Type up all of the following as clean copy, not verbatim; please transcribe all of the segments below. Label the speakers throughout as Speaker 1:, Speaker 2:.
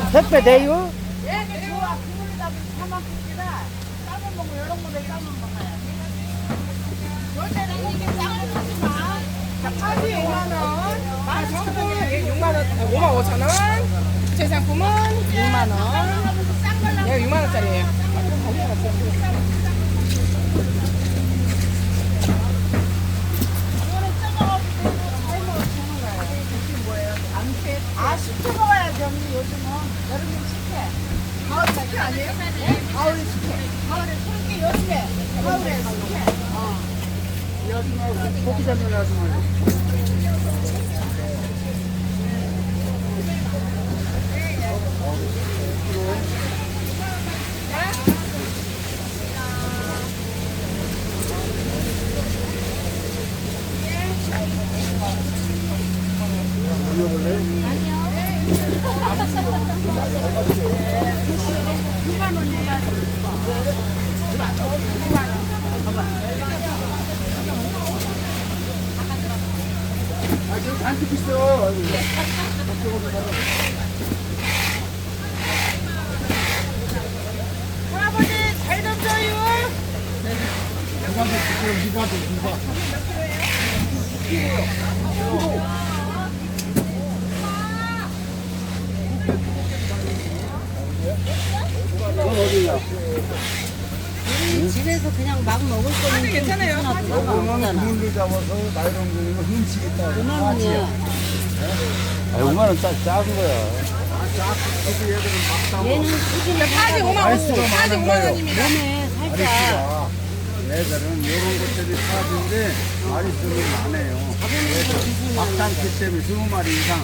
Speaker 1: 택배 돼요?
Speaker 2: 예, 좋아. 국물에다 사만 끓이라. 삶아 먹고 이런 거에 삶아 먹어야 돼. 요새는 이게 삶아 먹지 마.
Speaker 3: 자, 파지 5만 원, 마스크는 6만 원, 5만 5천 원, 제상품은 6만 원. 네, 6만 원짜리예요.
Speaker 2: 아, 식초 먹어야지, 언니. 요즘은. 여름엔 식혜. 가을 식혜 아니에요? 네? 가을에 식혜. 가을에 술게 여름에. 가을에 식혜.
Speaker 1: 고기 잡는 아줌마. 아, 지금 잔뜩 있어.
Speaker 2: 할아버지, 잘 던져요.
Speaker 4: 집에서 그냥 막 먹을 거는
Speaker 3: 괜찮아요.
Speaker 4: 상관없잖아.
Speaker 1: 물로 잡아서 나이런 거는 훔치겠다.
Speaker 4: 5만 원이야.
Speaker 1: 아, 5만 원 작은 거야.
Speaker 4: 얘는 수준이
Speaker 3: 파지 5만 원, 파지 5만 원입니다.
Speaker 4: 몸에 살짝
Speaker 1: 얘들은 이런 것들이 사진인데 마리수는 많아요. 막상기 때문에 20마리 이상.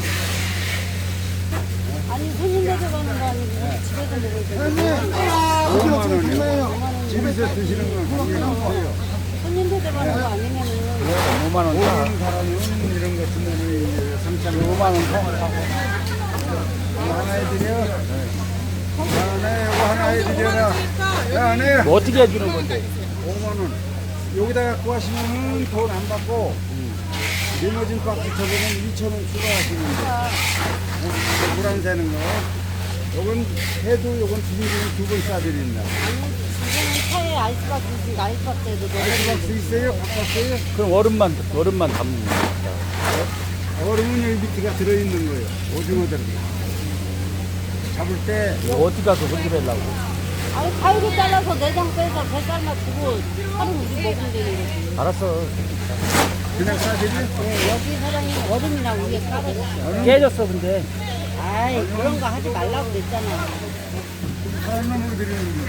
Speaker 4: 아니 손님들 가는 거 아니고 집에서 먹을 거.
Speaker 1: 5만 원이요. 집에서 드시는 건 상관없어요.
Speaker 4: 손님들 가는 거 아니면은
Speaker 1: 5만 원. 모르는 사람은 이런 거 주면은 3,500만 원 사고. 하나 해드려. 하나, 이거 하나 해드려라. 야, 안 해. 뭐 어떻게 해주는 건데? 5만 원. 여기다 갖고 하시면은 돈 안 받고, 리모진 박스 저거는 2,000원 추가하시는 거. 물안 새는 거. 요건 해도 요건 두번 싸드린다.
Speaker 4: 이제는 차에 아이스박스 있으니까 아이스박스에도
Speaker 1: 박스 있어요? 바꿨어요?
Speaker 5: 그럼 얼음만 담는 거야.
Speaker 1: 얼음은 여기 밑에가 들어있는 거예요. 오징어들. 잡을 때
Speaker 5: 어디 가서 손질하려고.
Speaker 4: 아니 가위로 잘라서 내장 빼서 배 삶아주고 하루 우리 먹으면 되는 거지.
Speaker 5: 알았어.
Speaker 1: 그냥 싸드려?
Speaker 4: 네, 여기 사장님 얼음이랑 위에 깔아줬어.
Speaker 5: 깨졌어, 근데.
Speaker 4: 아이 그런 거 하지 말라고 그랬잖아.
Speaker 1: 사람으로 드리는 거.